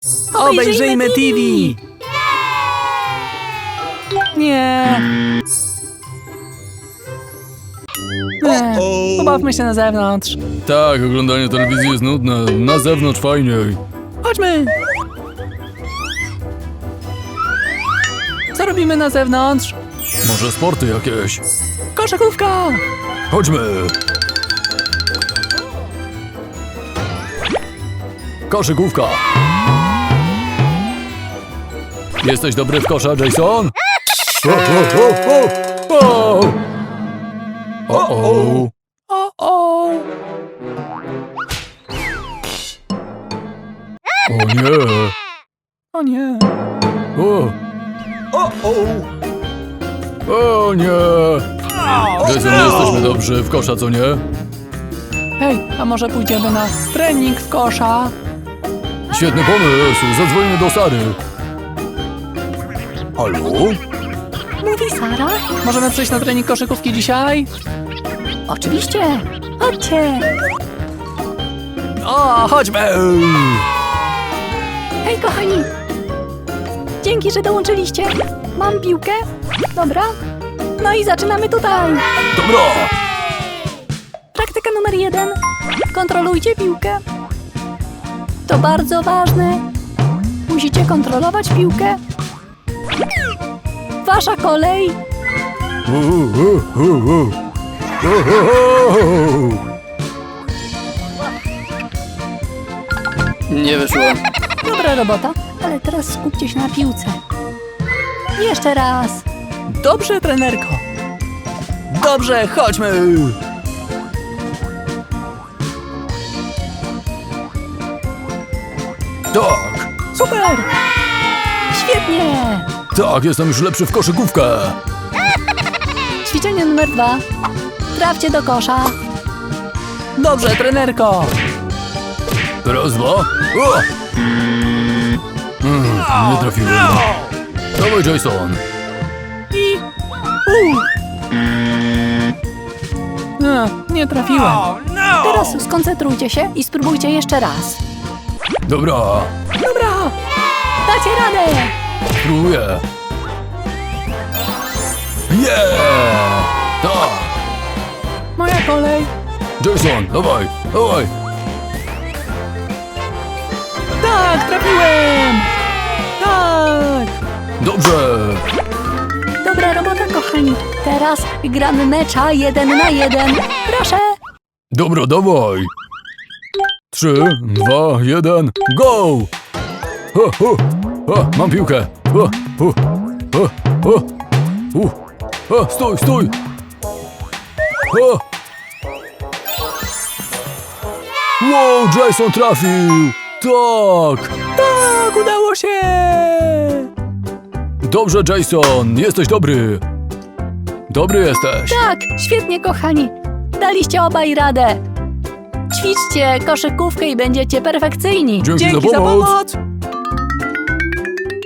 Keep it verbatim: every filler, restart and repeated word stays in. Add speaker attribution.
Speaker 1: Obejrzyjmy T V! Nie. Nie. Pobawmy się na zewnątrz.
Speaker 2: Tak, oglądanie telewizji jest nudne. Na zewnątrz fajniej.
Speaker 1: Chodźmy. Co robimy na zewnątrz?
Speaker 2: Może sporty jakieś?
Speaker 1: Koszykówka!
Speaker 2: Chodźmy! Koszykówka! Jesteś dobry w kosza, Jason? O, o, o, o, o. O, o.
Speaker 1: O, o.
Speaker 2: O nie!
Speaker 1: O nie.
Speaker 2: O! O nie! Jason, nie jesteśmy dobrzy w kosza, co nie?
Speaker 1: Hej, a może pójdziemy na trening w kosza?
Speaker 2: Świetny pomysł! Zadzwonimy do Sary. Halo?
Speaker 3: Mówi Sara?
Speaker 1: Możemy przyjść na trening koszykówki dzisiaj?
Speaker 3: Oczywiście. Chodźcie.
Speaker 1: O, chodźmy!
Speaker 3: Hej, kochani. Dzięki, że dołączyliście. Mam piłkę. Dobra. No i zaczynamy tutaj.
Speaker 2: Dobra!
Speaker 3: Praktyka numer jeden. Kontrolujcie piłkę. To bardzo ważne. Musicie kontrolować piłkę. Wasza kolej.
Speaker 2: U, u, u, u. U, u, u.
Speaker 1: Nie wyszło.
Speaker 3: Dobra robota, ale teraz skupcie się na piłce. Jeszcze raz.
Speaker 1: Dobrze, trenerko. Dobrze, chodźmy!
Speaker 2: Tak!
Speaker 1: Super!
Speaker 3: Świetnie.
Speaker 2: Tak, jestem już lepszy w koszykówkę!
Speaker 3: Ćwiczenie numer dwa. Trafcie do kosza.
Speaker 1: Dobrze, trenerko!
Speaker 2: Raz, dwa. O! Mm, nie trafiłem. Dawaj, Jason.
Speaker 1: I... U. A, nie trafiłem.
Speaker 3: Teraz skoncentrujcie się i spróbujcie jeszcze raz.
Speaker 2: Dobra,
Speaker 1: Dobra!
Speaker 3: Dacie radę!
Speaker 2: spróbuję. Yeah! Tak!
Speaker 1: Moja kolej.
Speaker 2: Jason, dawaj, dawaj.
Speaker 1: Tak, trafiłem! Tak!
Speaker 2: Dobrze.
Speaker 3: Dobra robota, kochani. Teraz gramy mecza jeden na jeden. Proszę.
Speaker 2: Dobra, dawaj. Trzy, dwa, jeden, go! Ho, ho, ho, mam piłkę. Ho, ho, ho, ho, ho, ho, stój, stój. Ho. Wow, Jason trafił. Tak.
Speaker 1: Tak, udało się!
Speaker 2: Dobrze, Jason, jesteś dobry. Dobry jesteś.
Speaker 3: Tak, świetnie, kochani. Daliście obaj radę. Ćwiczcie koszykówkę i będziecie perfekcyjni.
Speaker 2: Dzięki,
Speaker 1: Dzięki
Speaker 2: za
Speaker 1: za
Speaker 2: pomoc.
Speaker 1: pomoc!